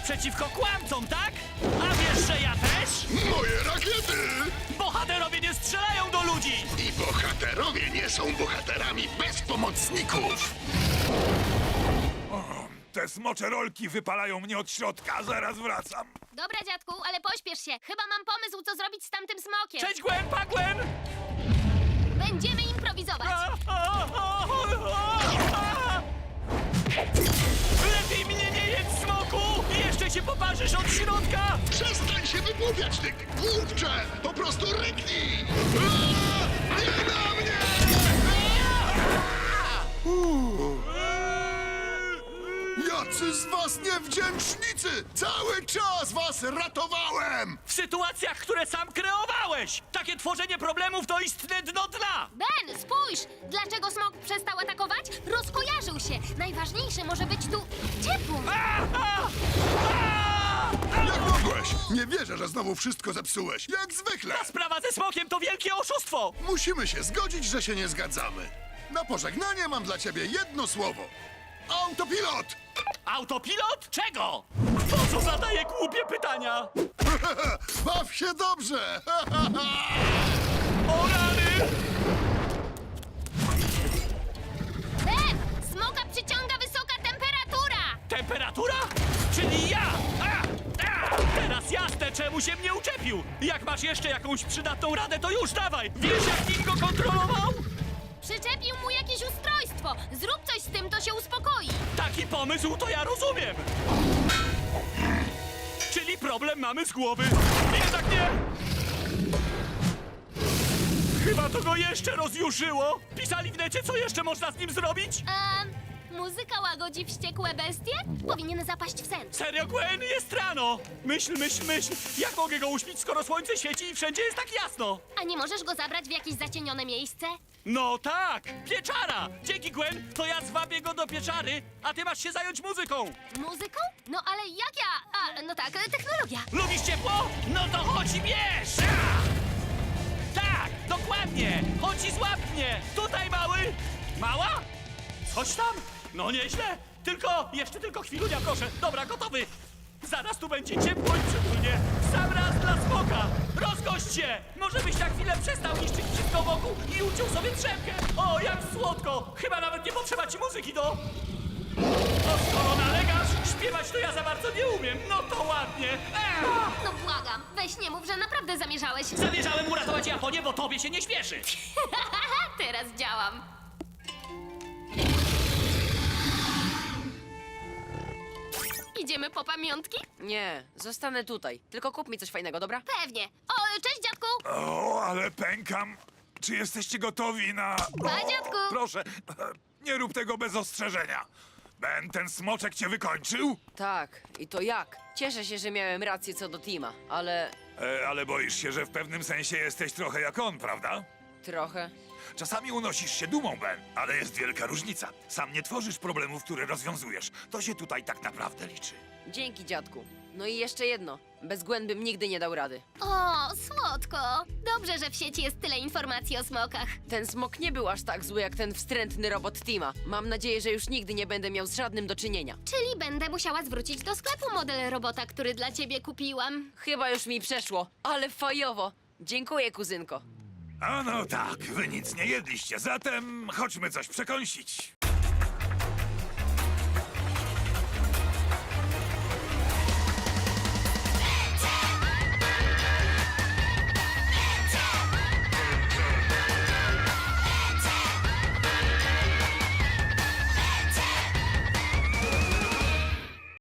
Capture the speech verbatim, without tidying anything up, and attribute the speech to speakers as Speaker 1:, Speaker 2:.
Speaker 1: przeciwko kłamcom, tak? A wiesz, że ja też?
Speaker 2: Moje rakiety!
Speaker 1: Bohaterowie nie strzelają do ludzi!
Speaker 2: I bohaterowie nie są bohaterami bez pomocników!
Speaker 3: Te smocze rolki wypalają mnie od środka, zaraz wracam.
Speaker 4: Dobra, dziadku, ale pośpiesz się. Chyba mam pomysł, co zrobić z tamtym smokiem.
Speaker 1: Cześć, Gwen, pa, Gwen!
Speaker 4: Będziemy improwizować.
Speaker 1: Lepiej mnie nie jedz, smoku! Jeszcze się poparzysz od środka!
Speaker 2: Przestań się wygłupiać, ty głupcze! Po prostu ryknij! Aaa! Nie na mnie! Jacy z was niewdzięcznicy! Cały czas was ratowałem!
Speaker 1: W sytuacjach, które sam kreowałeś! Takie tworzenie problemów to istne dno dna!
Speaker 4: Ben, spójrz! Dlaczego smok przestał atakować? Rozkojarzył się. Najważniejsze może być tu ciepło.
Speaker 1: A, a, a!
Speaker 2: Jak mogłeś? Nie wierzę, że znowu wszystko zepsułeś. Jak zwykle!
Speaker 1: Ta sprawa ze smokiem to wielkie oszustwo!
Speaker 2: Musimy się zgodzić, że się nie zgadzamy. Na pożegnanie mam dla ciebie jedno słowo. Autopilot!
Speaker 1: Autopilot? Czego? Po co zadaje głupie pytania?
Speaker 2: Baw się dobrze!
Speaker 1: O rany!
Speaker 4: Ben, smoka przyciąga wysoka temperatura.
Speaker 1: Temperatura? Czyli ja! A, a, teraz jasne, czemu się mnie uczepił! Jak masz jeszcze jakąś przydatną radę, to już dawaj! Wiesz, jak nim go kontrolował?
Speaker 4: Przyczepił mu jakieś ustrojstwo. Zrób coś z tym, to się uspokoi.
Speaker 1: Taki pomysł to ja rozumiem! Czyli problem mamy z głowy. Jednak nie! Chyba to go jeszcze rozjuszyło! Pisali w necie, co jeszcze można z nim zrobić?
Speaker 4: Ehm, muzyka łagodzi wściekłe bestie? Powinien zapaść w sen.
Speaker 1: Serio, Gwen, jest rano! Myśl, myśl, myśl! Jak mogę go uśpić, skoro słońce świeci i wszędzie jest tak jasno?
Speaker 4: A nie możesz go zabrać w jakieś zacienione miejsce?
Speaker 1: No tak! Pieczara! Dzięki, Gwen! To ja zwabię go do pieczary, a ty masz się zająć muzyką!
Speaker 4: Muzyką? No ale jak ja... A, no tak, technologia.
Speaker 1: Lubisz ciepło? No to chodź i bierz! A! Tak, dokładnie! Chodź i złap mnie! Tutaj, mały! Mała? Chodź tam! No nieźle! Tylko, jeszcze tylko chwilunia, proszę. Dobra, gotowy! Zaraz tu będzie ciepło i przytulnie. W sam raz dla smoka! Rozgość się! Może byś na chwilę przestał niszczyć wszystko wokół i uciął sobie drzemkę! O, jak słodko! Chyba nawet nie potrzeba ci muzyki do... O, skoro nalegasz, śpiewać to ja za bardzo nie umiem. No to ładnie. Eee!
Speaker 4: No błagam, weź nie mów, że naprawdę zamierzałeś.
Speaker 1: Zamierzałem uratować Japonię, bo tobie się nie śpieszy.
Speaker 4: Teraz działam. Idziemy po pamiątki?
Speaker 5: Nie, zostanę tutaj. Tylko kup mi coś fajnego, dobra?
Speaker 4: Pewnie. O, cześć dziadku!
Speaker 3: O, ale pękam. Czy jesteście gotowi na...
Speaker 4: Pa, dziadku.
Speaker 3: Proszę, nie rób tego bez ostrzeżenia. Ben, ten smoczek cię wykończył?
Speaker 5: Tak, i to jak? Cieszę się, że miałem rację co do Tima, ale
Speaker 3: E, ale boisz się, że w pewnym sensie jesteś trochę jak on, prawda?
Speaker 5: trochę.
Speaker 3: Czasami unosisz się dumą, Ben, ale jest wielka różnica. Sam nie tworzysz problemów, które rozwiązujesz. To się tutaj tak naprawdę liczy.
Speaker 5: Dzięki, dziadku. No i jeszcze jedno. Bez Gwen bym nigdy nie dał rady.
Speaker 4: O, słodko. Dobrze, że w sieci jest tyle informacji o smokach.
Speaker 5: Ten smok nie był aż tak zły jak ten wstrętny robot Tima. Mam nadzieję, że już nigdy nie będę miał z żadnym do czynienia.
Speaker 4: Czyli będę musiała zwrócić do sklepu model robota, który dla ciebie kupiłam.
Speaker 5: Chyba już mi przeszło, ale fajowo. Dziękuję, kuzynko.
Speaker 3: A no tak, wy nic nie jedliście, zatem chodźmy coś przekąsić.